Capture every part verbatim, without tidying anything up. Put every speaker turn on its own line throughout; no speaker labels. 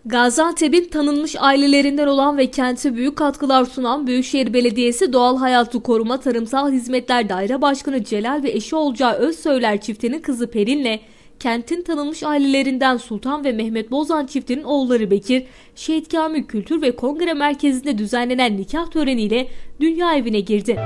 Gaziantep'in tanınmış ailelerinden olan ve kente büyük katkılar sunan Büyükşehir Belediyesi Doğal Hayatı Koruma Tarımsal Hizmetler Daire Başkanı Celal ve eşi Olcay Özsöyler çiftinin kızı Perin'le kentin tanınmış ailelerinden Sultan ve Mehmet Bozan çiftinin oğulları Bekir, Şehit Kamil Kültür ve Kongre Merkezi'nde düzenlenen nikah töreniyle dünya evine girdi.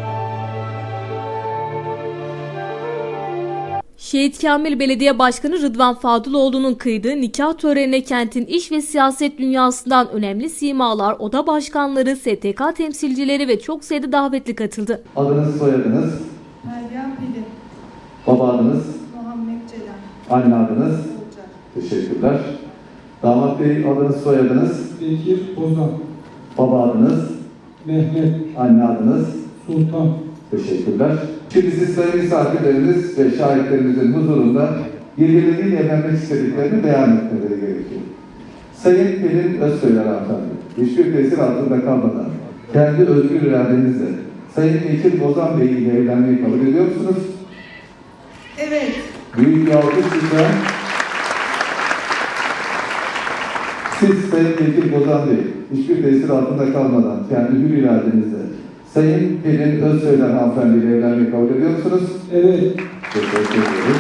Şehit Kamil Belediye Başkanı Rıdvan Fadıloğlu'nun kıydığı nikah törenine kentin iş ve siyaset dünyasından önemli simalar, oda başkanları, S T K temsilcileri ve çok sayıda davetli katıldı.
Adınız, soyadınız?
Meryem Pelin.
Baba adınız?
Muhammed Celal.
Anne adınız?
Olcay.
Teşekkürler. Damat Bey adınız, soyadınız?
Bekir Bozan,
Baba adınız?
Mehmet
Anne adınız?
Sultan.
Teşekkürler. Şimdi siz sayın misafirleriniz ve şahitlerimizin huzurunda birbirleriyle evlenmek istediklerini beyan etmeleri gerekiyor. Sayın Pelin Özsöyler hanımefendi, hiçbir tesir altında kalmadan kendi özgür iradenizle Sayın Bekir Bozan Bey ile evlenmeyi kabul ediyor musunuz?
Evet.
Büyük bir alkış lütfen. Siz Sayın Bekir Bozan Bey, hiçbir tesir altında kalmadan kendi hür iradenizle Sayın Pelin Özsöyler hanımefendi ile evlenmeyi kabul ediyor musunuz?
Evet.
Teşekkür ediyoruz.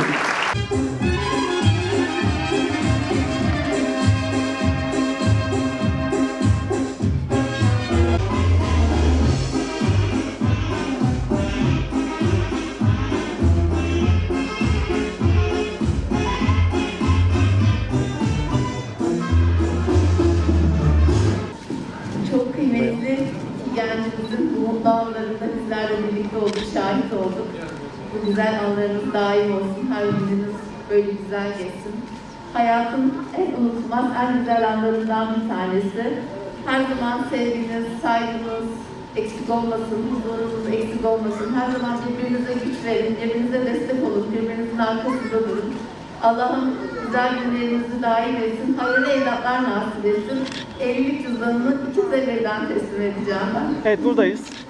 Çok kıymetli gencimizin bu mutlu anlarında bizlerle birlikte olduk, şahit olduk. Bu güzel anlarınız daim olsun, her gününüz böyle güzel geçsin. Hayatın en unutulmaz, en güzel anlarından bir tanesi. Her zaman sevginiz, saygınız eksik olmasın, huzurunuz eksik olmasın. Her zaman birbirinize güç verin, birbirinize destek olun, birbirinizin arkasında durun. Allah'ım güzel günlerinizi daim etsin, hayırlı evlatlar nasip etsin. Evlilik cüzdanını iki seferden teslim edeceğim ben.
Evet, buradayız.